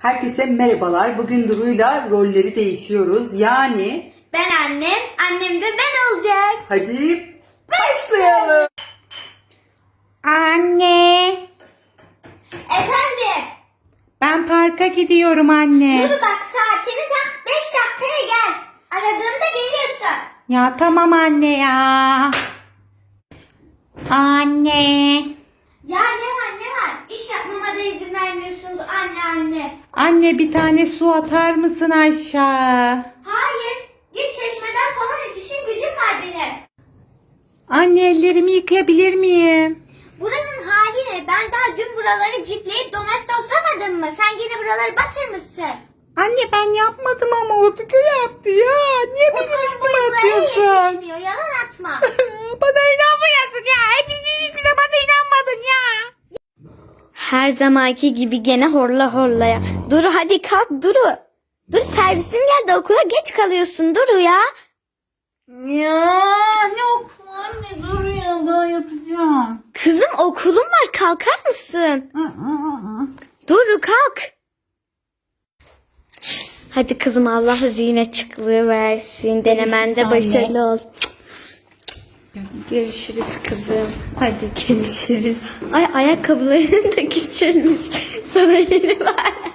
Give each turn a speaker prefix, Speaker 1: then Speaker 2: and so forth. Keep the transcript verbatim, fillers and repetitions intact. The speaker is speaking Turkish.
Speaker 1: Herkese merhabalar. Bugün Duru'yla rolleri değişiyoruz. Yani
Speaker 2: ben annem, annem de ben olacak.
Speaker 1: hadi başlayalım.
Speaker 3: Anne,
Speaker 2: Efendim,
Speaker 3: ben parka gidiyorum anne.
Speaker 2: dur bak saatini tak, beş dakikaya gel. Aradığımda geliyorsun.
Speaker 3: Ya tamam anne ya. Anne.
Speaker 2: Ya ne var ne var? İş yapmama da izin vermiyorsunuz anne anne.
Speaker 3: Anne bir tane su atar mısın aşağı?
Speaker 2: Hayır, git çeşmeden falan iç, işim gücüm var benim.
Speaker 3: Anne ellerimi yıkayabilir miyim?
Speaker 2: Buranın hali ne? Ben daha dün buraları cipleyip domestoslamadım mı? Sen yine buraları batırmışsın.
Speaker 3: Anne ben yapmadım ama Utku yaptı ya. Niye benim
Speaker 2: Utku'nun
Speaker 3: üstüme
Speaker 2: boyu buraya
Speaker 3: atıyorsun?
Speaker 2: yetişmiyor, yalan atma.
Speaker 3: Bana inanmıyorsun ya. Hepiniz hiçbir zaman da inanmadın ya.
Speaker 2: Her zamanki gibi gene horla horlaya. Duru hadi kalk Duru. Dur servisin geldi, okula geç kalıyorsun Duru ya.
Speaker 3: Ya ne okul anne, dur ya, daha yatacağım.
Speaker 2: Kızım okulun var, kalkar mısın? Duru kalk. Hadi kızım, Allah zihin açıklığı versin. Denemende başarılı ol. Görüşürüz kızım. Hadi görüşürüz. Ay ayakkabıların da küçülmüş. Sana yeni var.